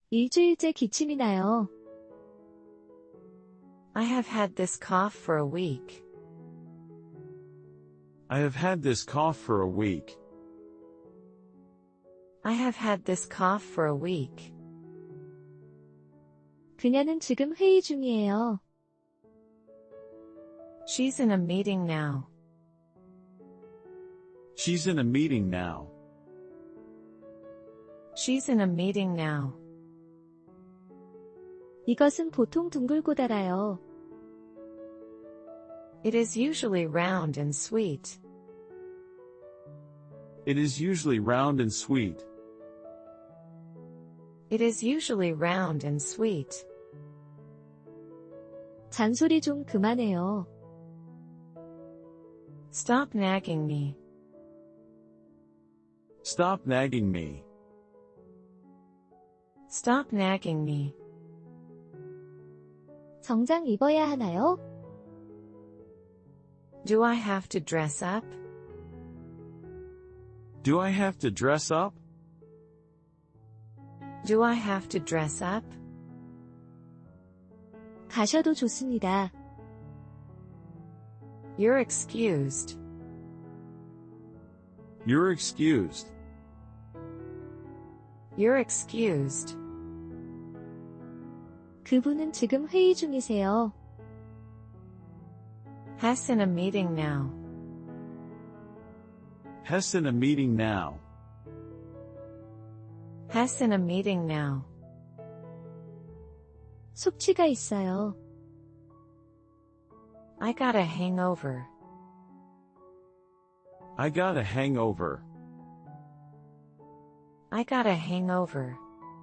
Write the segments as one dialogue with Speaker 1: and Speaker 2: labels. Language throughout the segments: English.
Speaker 1: 일주일째 기침이 나요.
Speaker 2: I have had this cough for a week.
Speaker 3: I have had this cough for a week.
Speaker 2: I have had this cough for a week.
Speaker 1: 그녀는 지금 회의 중이에요.
Speaker 2: She's in a meeting now.
Speaker 3: She's in a meeting now.
Speaker 2: She's in a meeting now.
Speaker 1: 이것은 보통 둥글고 달아요.
Speaker 2: It is usually round and sweet.
Speaker 3: It is usually round and sweet.
Speaker 2: It is usually round and sweet.
Speaker 1: 잔소리 좀 그만해요.
Speaker 2: Stop nagging me.
Speaker 3: Stop nagging me.
Speaker 2: Stop nagging me.
Speaker 1: 정장 입어야 하나요?
Speaker 2: Do I have to dress up?
Speaker 3: Do I have to dress up?
Speaker 2: Do I have to dress up?
Speaker 1: 가셔도 좋습니다.
Speaker 2: You're excused.
Speaker 3: You're excused.
Speaker 2: You're excused.
Speaker 1: 그분은 지금 회의 중이세요.
Speaker 2: Hess in a meeting now.
Speaker 3: Hess in a meeting now.
Speaker 2: Hess in a meeting now.
Speaker 1: 숙취가 있어요.
Speaker 2: I got a hangover.
Speaker 3: I got a hangover.
Speaker 2: I got a hangover.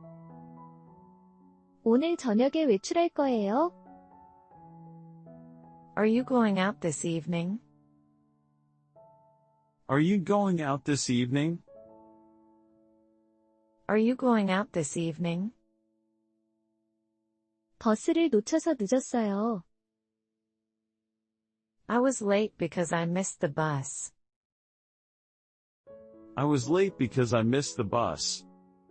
Speaker 1: 오늘 저녁에 외출할 거예요?
Speaker 2: Are you going out this evening?
Speaker 3: Are you going out this evening?
Speaker 2: Are you going out this evening?
Speaker 1: 버스를 놓쳐서 늦었어요.
Speaker 2: I was late because I missed the bus.
Speaker 3: I was late because I missed the bus.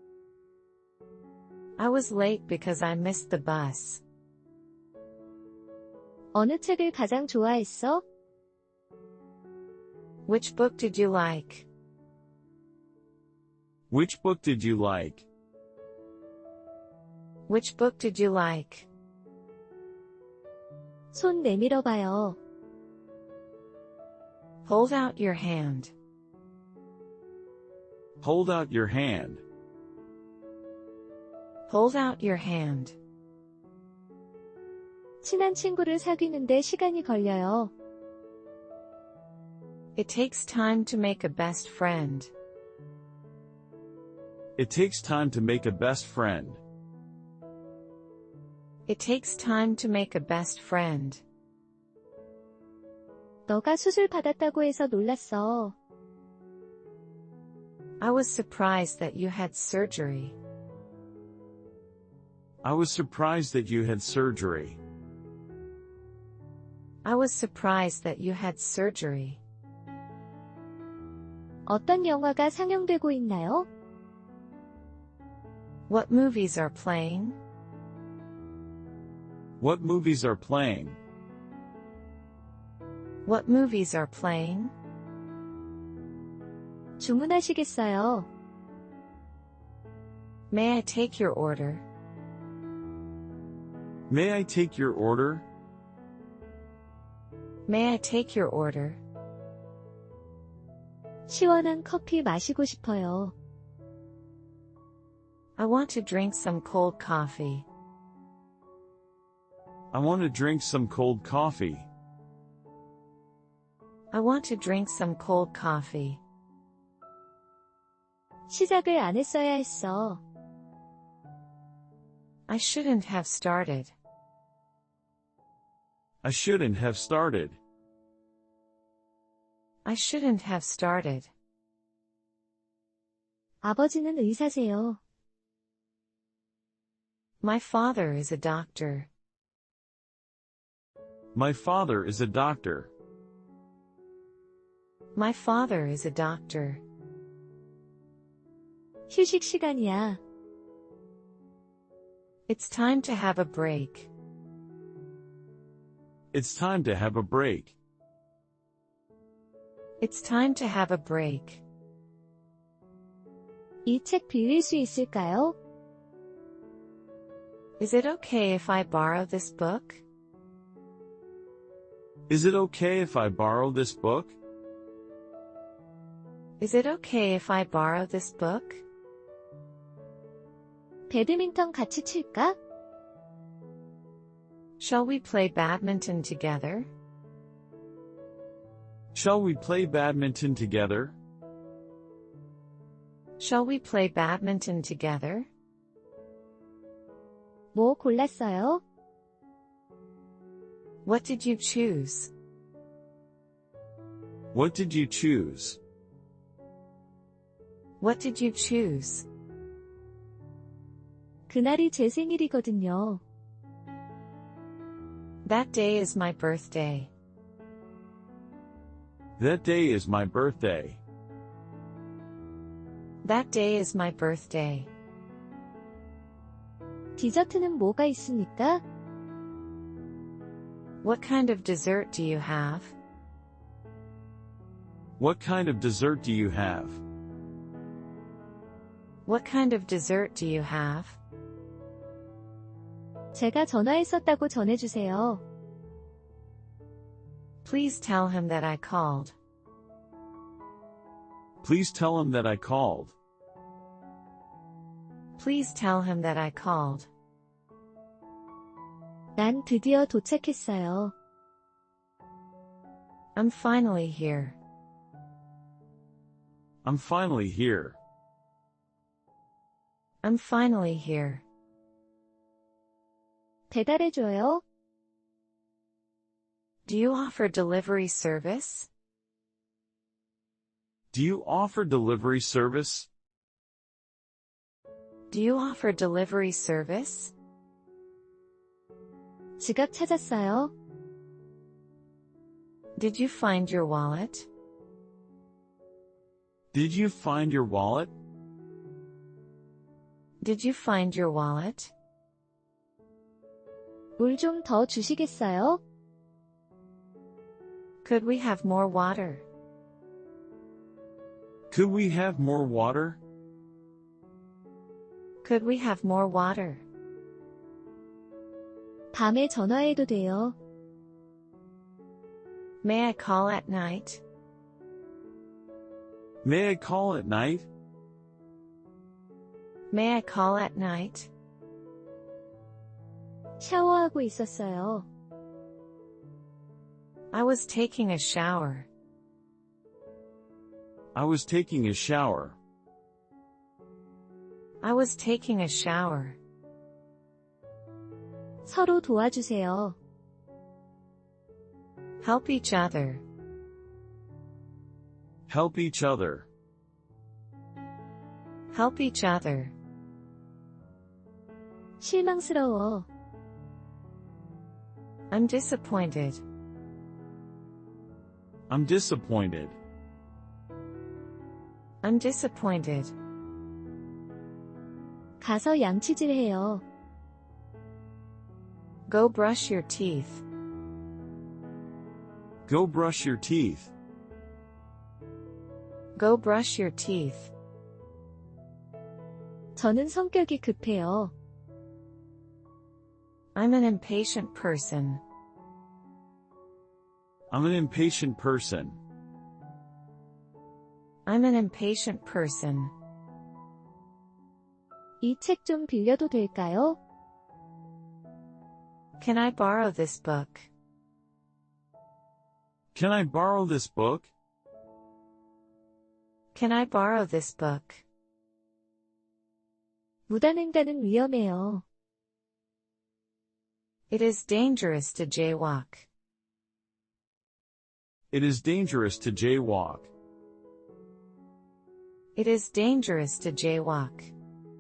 Speaker 2: I was late because I missed the bus.
Speaker 1: 어느 책을 가장 좋아했어?
Speaker 2: Which book did you like?
Speaker 3: Which book did you like?
Speaker 2: Which book did you like?
Speaker 1: 손 내밀어 봐요.
Speaker 2: Hold out your hand.
Speaker 3: Hold out your hand.
Speaker 2: Hold out your hand.
Speaker 1: 친한 친구를 사귀는데 시간이 걸려요.
Speaker 2: It takes time to make a best friend.
Speaker 3: It takes time to make a best friend.
Speaker 2: It takes time to make a best friend.
Speaker 1: 너가 수술 받았다고 해서 놀랐어.
Speaker 2: I was surprised that you had surgery.
Speaker 3: I was surprised that you had surgery.
Speaker 2: I was surprised that you had surgery.
Speaker 1: 어떤 영화가 상영되고 있나요?
Speaker 2: What movies are playing?
Speaker 3: What movies are playing?
Speaker 2: What movies are playing?
Speaker 1: 주문하시겠어요?
Speaker 2: May I take your order?
Speaker 3: May I take your order?
Speaker 2: May I take your order?
Speaker 1: 시원한 커피 마시고 싶어요.
Speaker 2: I want to drink some cold coffee.
Speaker 3: I want to drink some cold coffee.
Speaker 2: I want to drink some cold coffee.
Speaker 1: 시작을 안 했어야 했어.
Speaker 2: I shouldn't have started.
Speaker 3: I shouldn't have started.
Speaker 2: I shouldn't have started.
Speaker 1: 아버지는 의사세요.
Speaker 2: My father is a doctor.
Speaker 3: My father is a doctor.
Speaker 2: My father is a doctor.
Speaker 1: 휴식 시간이야.
Speaker 2: It's time to have a break.
Speaker 3: It's time to have a break.
Speaker 2: It's time to have a break.
Speaker 1: 이 책 빌릴 수 있을까요?
Speaker 2: Is it okay if I borrow this book?
Speaker 3: Is it okay if I borrow this book?
Speaker 2: Is it okay if I borrow this book?
Speaker 1: 배드민턴 같이 칠까?
Speaker 2: Shall we play badminton together?
Speaker 3: Shall we play badminton together?
Speaker 2: Shall we play badminton together?
Speaker 1: 뭐 골랐어요?
Speaker 2: What did you choose?
Speaker 3: What did you choose?
Speaker 2: What did you choose?
Speaker 1: 그날이 제 생일이거든요.
Speaker 2: That day is my birthday.
Speaker 3: That day is my birthday.
Speaker 2: That day is my birthday.
Speaker 1: 디저트는 뭐가 있습니까?
Speaker 2: What kind of dessert do you have?
Speaker 3: What kind of dessert do you have?
Speaker 2: What kind of dessert do you have?
Speaker 1: 제가 전화했었다고 전해주세요.
Speaker 2: Please tell him that I called.
Speaker 3: Please tell him that I called.
Speaker 2: Please tell him that I called.
Speaker 1: 난 드디어 도착했어요.
Speaker 2: I'm finally here.
Speaker 3: I'm finally here.
Speaker 2: I'm finally here.
Speaker 1: 배달해줘요?
Speaker 2: Do you offer delivery service?
Speaker 3: Do you offer delivery service?
Speaker 2: Do you offer delivery service?
Speaker 1: 지갑 찾았어요?
Speaker 2: Did you find your wallet?
Speaker 3: Did you find your wallet?
Speaker 2: Did you find your wallet?
Speaker 1: 물 좀 더 주시겠어요?
Speaker 2: Could we have more water?
Speaker 3: Could we have more water?
Speaker 2: Could we have more water?
Speaker 1: 밤에 전화해도 돼요.
Speaker 2: May I call at night?
Speaker 3: May I call at night?
Speaker 2: May I call at night?
Speaker 1: 샤워하고 있었어요.
Speaker 2: I was taking a shower.
Speaker 3: I was taking a shower.
Speaker 2: I was taking a shower.
Speaker 1: 서로 도와주세요.
Speaker 2: Help each other.
Speaker 3: Help each other.
Speaker 2: Help each other.
Speaker 1: 실망스러워.
Speaker 2: I'm disappointed.
Speaker 3: I'm disappointed.
Speaker 2: I'm disappointed.
Speaker 1: 가서 양치질해요.
Speaker 2: Go brush your teeth.
Speaker 3: Go brush your teeth.
Speaker 2: Go brush your teeth.
Speaker 1: 저는 성격이 급해요.
Speaker 2: I'm an impatient person.
Speaker 3: I'm an impatient person.
Speaker 2: I'm an impatient person.
Speaker 1: 이 책 좀 빌려도 될까요?
Speaker 2: Can I borrow this book?
Speaker 3: Can I borrow this book?
Speaker 2: Can I borrow this book?
Speaker 1: 무단횡단은 위험해요.
Speaker 2: It is dangerous to jaywalk.
Speaker 3: It is dangerous to jaywalk.
Speaker 2: It is dangerous to jaywalk.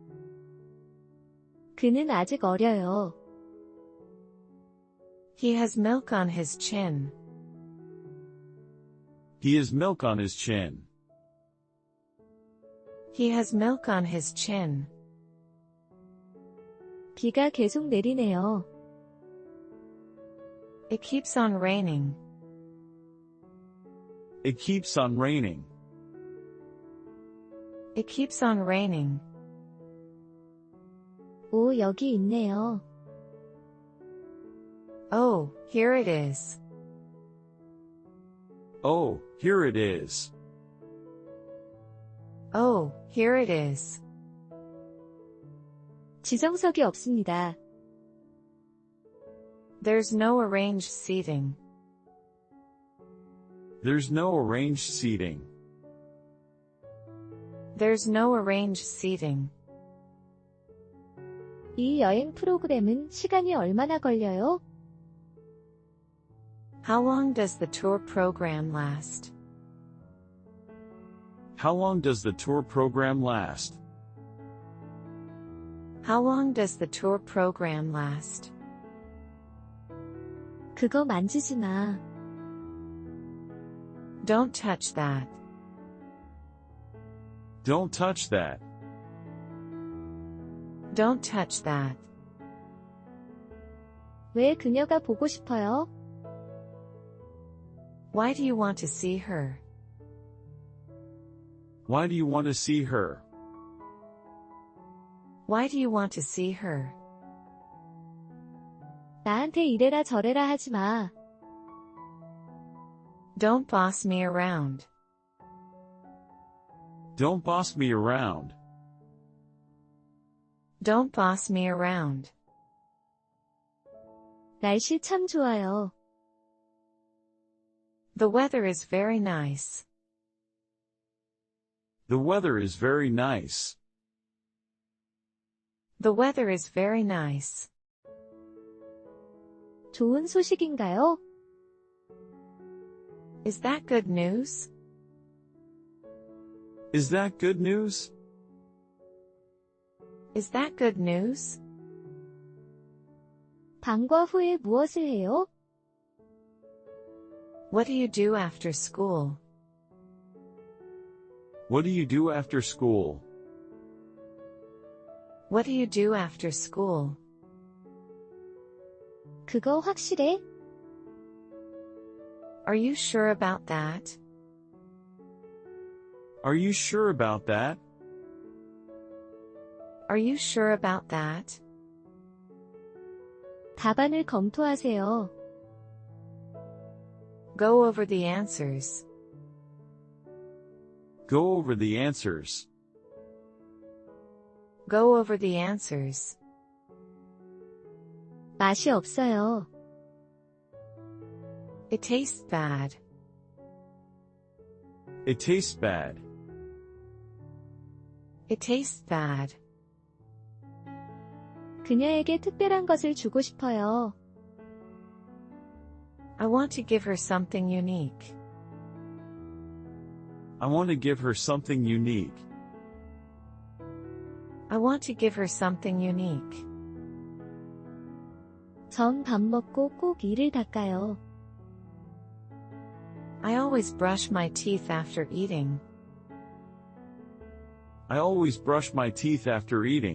Speaker 1: 그는 아직 어려요.
Speaker 2: He has milk on his chin.
Speaker 3: He has milk on his chin.
Speaker 2: He has milk on his chin.
Speaker 1: 비가 계속 내리네요.
Speaker 2: It keeps on raining.
Speaker 3: It keeps on raining.
Speaker 2: It keeps on raining.
Speaker 1: 오, 여기 있네요.
Speaker 2: Oh, here it is.
Speaker 3: Oh, here it is.
Speaker 2: Oh, here it is.
Speaker 1: 지정석이 없습니다.
Speaker 2: There's no arranged seating.
Speaker 3: There's no arranged seating.
Speaker 2: There's no arranged seating.
Speaker 1: 이 여행 프로그램은 시간이 얼마나 걸려요?
Speaker 2: How long does the tour program last?
Speaker 3: How long does the tour program last?
Speaker 2: How long does the tour program last?
Speaker 1: 그거 만지지 마.
Speaker 2: Don't touch that.
Speaker 3: Don't touch that.
Speaker 2: Don't touch that.
Speaker 1: 왜 그녀가 보고 싶어요?
Speaker 2: Why do you want to see her?
Speaker 3: Why do you want to see her?
Speaker 2: Why do you want to see her?
Speaker 1: 나한테 이래라 저래라 하지 마.
Speaker 2: Don't boss me around.
Speaker 3: Don't boss me around.
Speaker 2: Don't boss me around.
Speaker 1: 날씨 참 좋아요.
Speaker 2: The weather is very nice.
Speaker 3: The weather is very nice.
Speaker 2: The weather is very nice.
Speaker 1: 좋은 소식인가요?
Speaker 2: Is that good news?
Speaker 3: Is that good news?
Speaker 2: Is that good news?
Speaker 1: 방과 후에 무엇을 해요?
Speaker 2: What do you do after school?
Speaker 3: What do you do after school?
Speaker 2: What do you do after school?
Speaker 1: 그거 확실해?
Speaker 2: Are you sure about that?
Speaker 3: Are you sure about that?
Speaker 2: Are you sure about that?
Speaker 1: 답안을 검토하세요.
Speaker 2: Go over the answers.
Speaker 3: Go over the answers.
Speaker 2: Go over the answers.
Speaker 1: 맛이 없어요.
Speaker 2: It tastes bad.
Speaker 3: It tastes bad.
Speaker 2: It tastes bad.
Speaker 1: 그녀에게 특별한 것을 주고 싶어요.
Speaker 2: I want to give her something unique.
Speaker 3: I want to give her something unique.
Speaker 2: I want to give her something unique.
Speaker 1: 전 밥 먹고 꼭 이를 닦아요.
Speaker 2: I always brush my teeth after eating.
Speaker 3: I always brush my teeth after eating.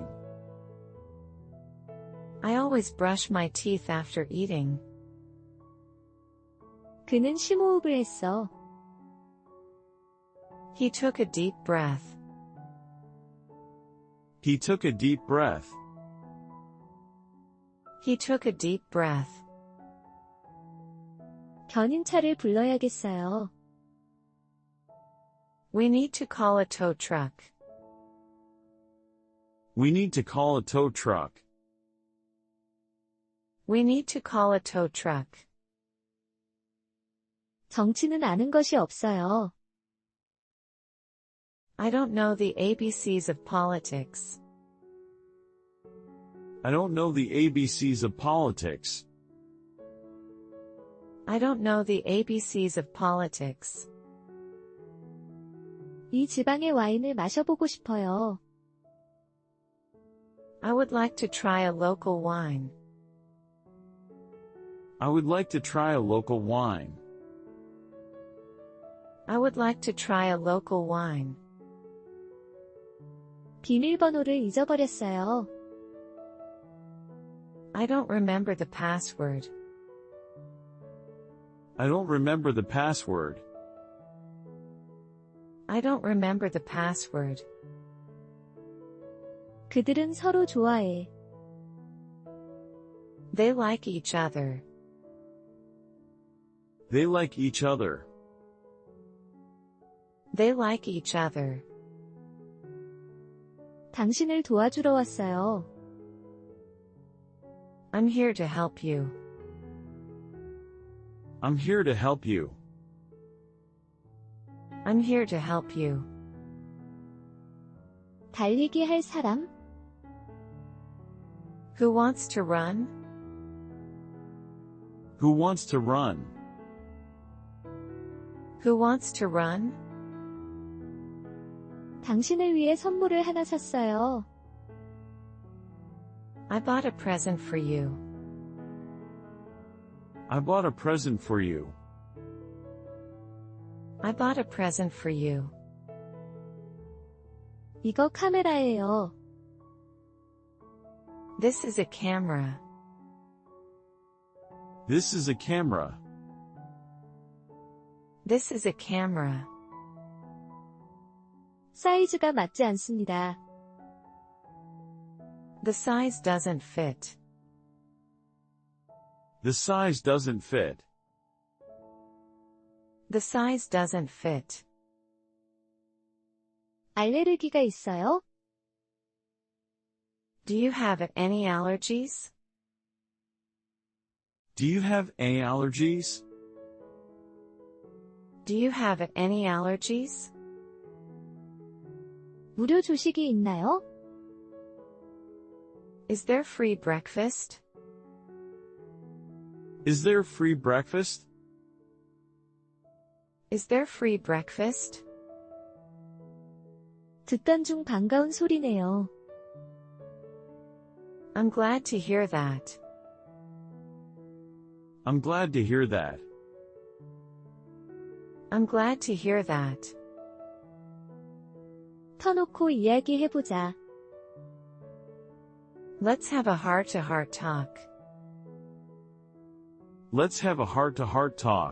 Speaker 2: I always brush my teeth after eating.
Speaker 1: 그는 심호흡을 했어.
Speaker 2: He took a deep breath.
Speaker 3: He took a deep breath.
Speaker 2: He took a deep breath.
Speaker 1: 견인차를 불러야겠어요.
Speaker 2: We need to call a tow truck.
Speaker 3: We need to call a tow truck.
Speaker 2: We need to call a tow truck.
Speaker 1: 정치는 아는 것이 없어요.
Speaker 2: I don't know the ABCs of politics.
Speaker 3: I don't know the ABCs of politics.
Speaker 2: I don't know the ABCs of politics.
Speaker 1: 이 지방의 와인을 마셔보고 싶어요.
Speaker 2: I would like to try a local wine.
Speaker 3: I would like to try a local wine.
Speaker 2: I would like to try a local wine.
Speaker 1: 비밀번호를 잊어버렸어요.
Speaker 2: I don't remember the password.
Speaker 3: I don't remember the password.
Speaker 2: I don't remember the password.
Speaker 1: 그들은 서로 좋아해.
Speaker 2: They like each other.
Speaker 3: They like each other.
Speaker 2: They like each other.
Speaker 1: 당신을 도와주러 왔어요.
Speaker 2: I'm here to help you.
Speaker 3: I'm here to help you.
Speaker 2: I'm here to help you.
Speaker 1: 달리기 할 사람?
Speaker 2: Who wants to run?
Speaker 3: Who wants to run?
Speaker 2: Who wants to run?
Speaker 1: 당신을 위해 선물을 하나 샀어요.
Speaker 2: I bought a present for you.
Speaker 3: I bought a present for you.
Speaker 2: I bought a present for you.
Speaker 1: 이거 카메라예요.
Speaker 2: This is a camera.
Speaker 3: This is a camera.
Speaker 2: This is a camera.
Speaker 1: 사이즈가 맞지 않습니다.
Speaker 2: The size doesn't fit.
Speaker 3: The size doesn't fit.
Speaker 2: The size doesn't fit.
Speaker 1: 알레르기가 있어요?
Speaker 2: Do you have any allergies?
Speaker 3: Do you have any allergies?
Speaker 2: Do you have any allergies?
Speaker 1: 무료 조식이 있나요?
Speaker 2: Is there free breakfast?
Speaker 3: Is there free breakfast?
Speaker 2: Is there free breakfast?
Speaker 1: 듣던 중 반가운 소리네요.
Speaker 2: I'm glad to hear that.
Speaker 3: I'm glad to hear that.
Speaker 2: I'm glad to hear that.
Speaker 1: 터놓고 이야기해보자.
Speaker 2: Let's have a heart-to-heart talk.
Speaker 3: Let's have a heart-to-heart talk.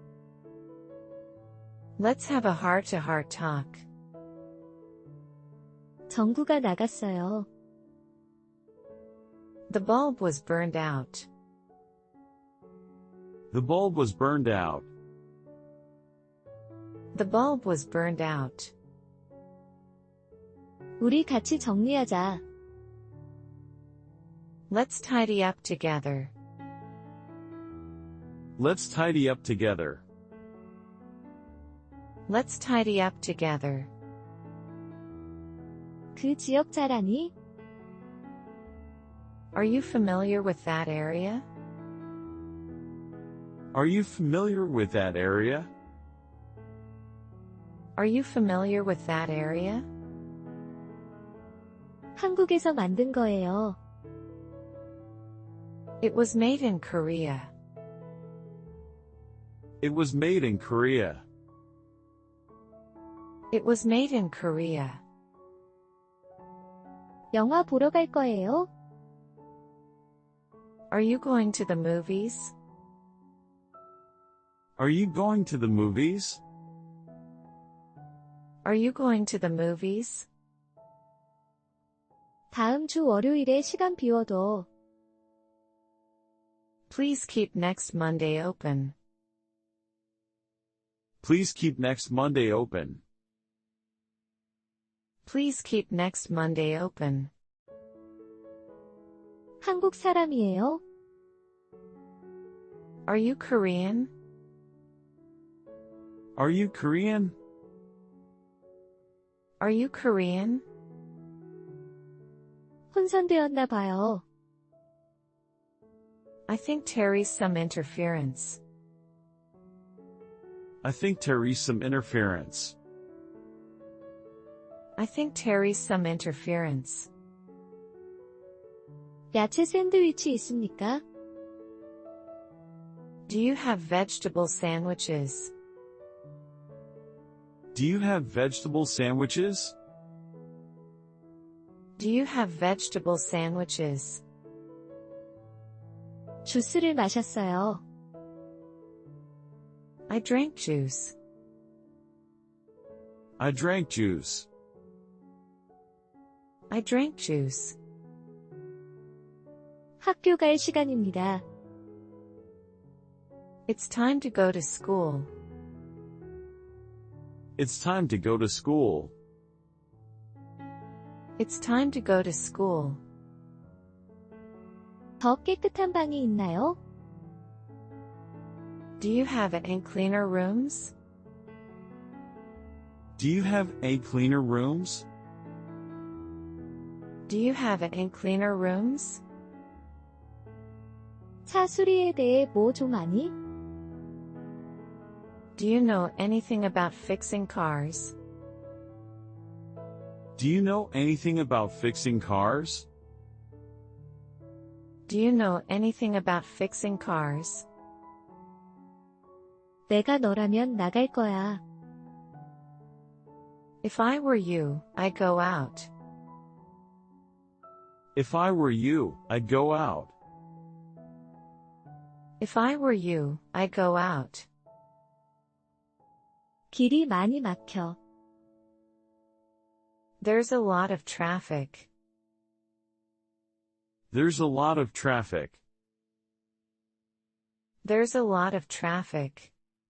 Speaker 2: Let's have a heart-to-heart talk.
Speaker 1: 전구가 나갔어요.
Speaker 2: The bulb was burned out.
Speaker 3: The bulb was burned out.
Speaker 2: The bulb was burned out.
Speaker 1: 우리 같이 정리하자.
Speaker 2: Let's tidy up together.
Speaker 3: Let's tidy up together.
Speaker 2: Let's tidy up together.
Speaker 1: 그 지역 잘 아니?
Speaker 2: Are you familiar with that area?
Speaker 3: Are you familiar with that area?
Speaker 2: Are you familiar with that area?
Speaker 1: 한국에서 만든 거예요.
Speaker 2: It was made in Korea.
Speaker 3: It was made in Korea.
Speaker 2: It was made in Korea.
Speaker 1: 영화 보러 갈 거예요?
Speaker 2: Are you going to the movies?
Speaker 3: Are you going to the movies?
Speaker 2: Are you going to the movies?
Speaker 1: 다음 주 월요일에 시간 비워둬.
Speaker 2: Please keep next Monday open.
Speaker 3: Please keep next Monday open.
Speaker 2: Please keep next Monday open.
Speaker 1: 한국 사람이에요?
Speaker 2: Are you Korean?
Speaker 3: Are you Korean?
Speaker 2: Are you Korean?
Speaker 1: 혼선되었나 봐요.
Speaker 2: I think Terry's some interference.
Speaker 3: I think Terry's some interference.
Speaker 2: I think Terry's some interference.
Speaker 1: 야채 샌드위치 있습니까?
Speaker 2: Do you have vegetable sandwiches?
Speaker 3: Do you have vegetable sandwiches?
Speaker 2: Do you have vegetable sandwiches?
Speaker 1: 주스를 마셨어요.
Speaker 2: I drank juice.
Speaker 3: I drank juice.
Speaker 2: I drank juice.
Speaker 1: 학교 갈 시간입니다.
Speaker 2: It's time to go to school.
Speaker 3: It's time to go to school.
Speaker 2: It's time to go to school.
Speaker 1: 더 깨끗한 방이 있나요?
Speaker 2: Do you have any cleaner rooms?
Speaker 3: Do you have any cleaner rooms?
Speaker 2: Do you have any cleaner rooms?
Speaker 1: 차 수리에 대해 뭐 좀 아니?
Speaker 2: Do you know anything about fixing cars?
Speaker 3: Do you know anything about fixing cars?
Speaker 2: Do you know anything about fixing cars?
Speaker 1: 내가 너라면 나갈 거야.
Speaker 2: If I were you, I'd go out.
Speaker 3: If I were you, I'd go out.
Speaker 2: If I were you, I'd go out.
Speaker 1: 길이 많이 막혀.
Speaker 2: There's a lot of traffic.
Speaker 3: There's a lot of traffic.
Speaker 2: There's a lot of traffic.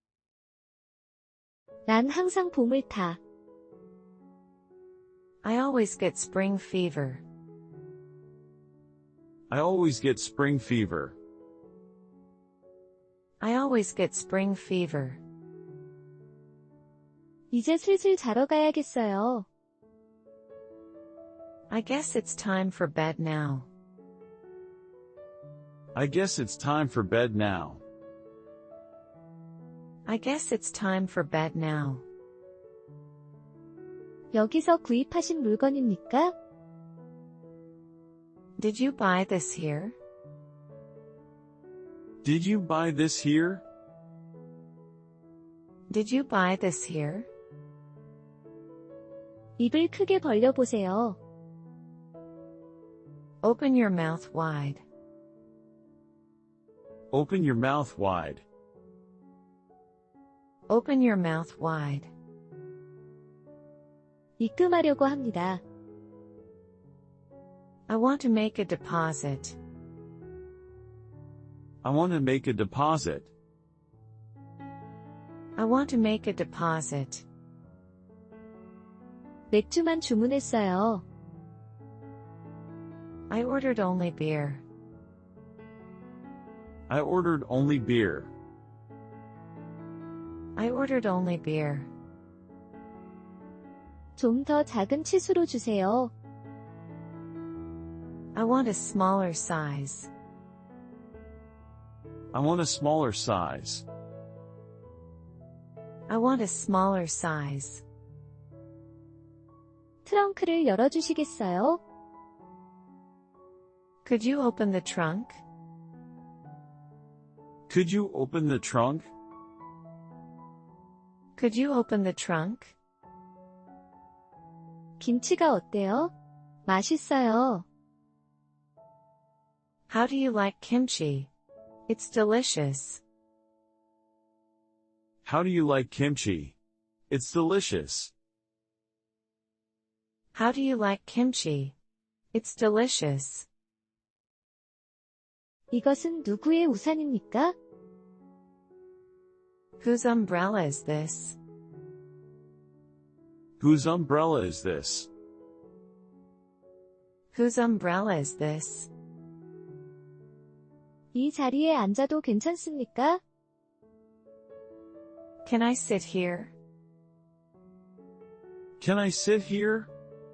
Speaker 1: 난 항상 봄을 타.
Speaker 2: I always get spring fever.
Speaker 3: I always get spring fever.
Speaker 2: I always get spring fever.
Speaker 1: 이제 슬슬 자러 가야겠어요.
Speaker 2: I guess it's time for bed now.
Speaker 3: I guess it's time for bed now.
Speaker 2: I guess it's time for bed now.
Speaker 1: 여기서 구입하신 물건입니까?
Speaker 2: Did you buy this here?
Speaker 3: Did you buy this here?
Speaker 2: Did you buy this here?
Speaker 1: 입을 크게 벌려보세요.
Speaker 2: Open your mouth wide.
Speaker 3: Open your mouth wide.
Speaker 2: Open your mouth wide.
Speaker 1: 입금하려고 합니다.
Speaker 2: I want to make a deposit.
Speaker 3: I want to make a deposit.
Speaker 2: I want to make a deposit.
Speaker 1: 맥주만 주문했어요.
Speaker 2: I ordered only beer.
Speaker 3: I ordered only beer.
Speaker 2: I ordered only beer.
Speaker 1: 좀 더 작은 치수로 주세요.
Speaker 2: I want a smaller size.
Speaker 3: I want a smaller size.
Speaker 2: I want a smaller size.
Speaker 1: 트렁크를 열어주시겠어요?
Speaker 2: Could you open the trunk?
Speaker 3: Could you open the trunk?
Speaker 2: Could you open the trunk?
Speaker 1: 김치가 어때요? 맛있어요.
Speaker 2: How do you like kimchi? It's delicious.
Speaker 3: How do you like kimchi? It's delicious.
Speaker 2: How do you like kimchi? It's delicious.
Speaker 1: 이것은 누구의 우산입니까?
Speaker 2: Whose umbrella is this?
Speaker 3: Whose umbrella is this?
Speaker 2: Whose umbrella is this?
Speaker 1: 이 자리에 앉아도 괜찮습니까?
Speaker 2: Can I sit here?
Speaker 3: Can I sit here?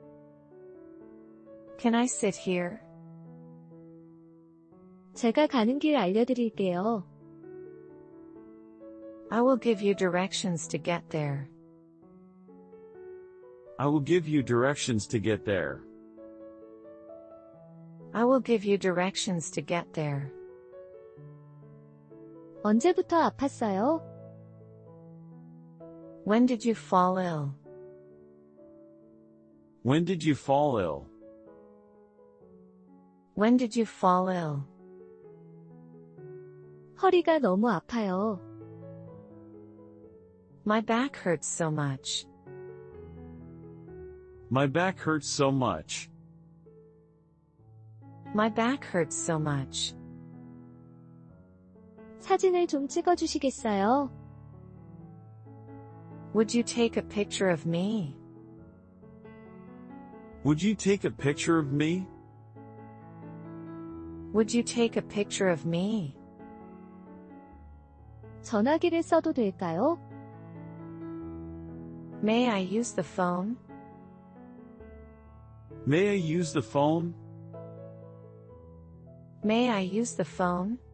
Speaker 2: Can I sit here?
Speaker 1: 제가 가는 길 알려드릴게요.
Speaker 2: I will give you directions to get there.
Speaker 3: I will give you directions to get there.
Speaker 2: I will give you directions to get there.
Speaker 1: 언제부터 아팠어요?
Speaker 2: When did you fall ill?
Speaker 3: When did you fall ill?
Speaker 2: When did you fall ill?
Speaker 1: 허리가 너무 아파요.
Speaker 2: My back hurts so much.
Speaker 3: My back hurts so much.
Speaker 2: My back hurts so much.
Speaker 1: 사진을 좀 찍어주시겠어요?
Speaker 2: Would you take a picture of me?
Speaker 3: Would you take a picture of me?
Speaker 2: Would you take a picture of me?
Speaker 1: 전화기를 써도 될까요?
Speaker 2: May I use the phone?
Speaker 3: May I use the phone?
Speaker 2: May I use the phone?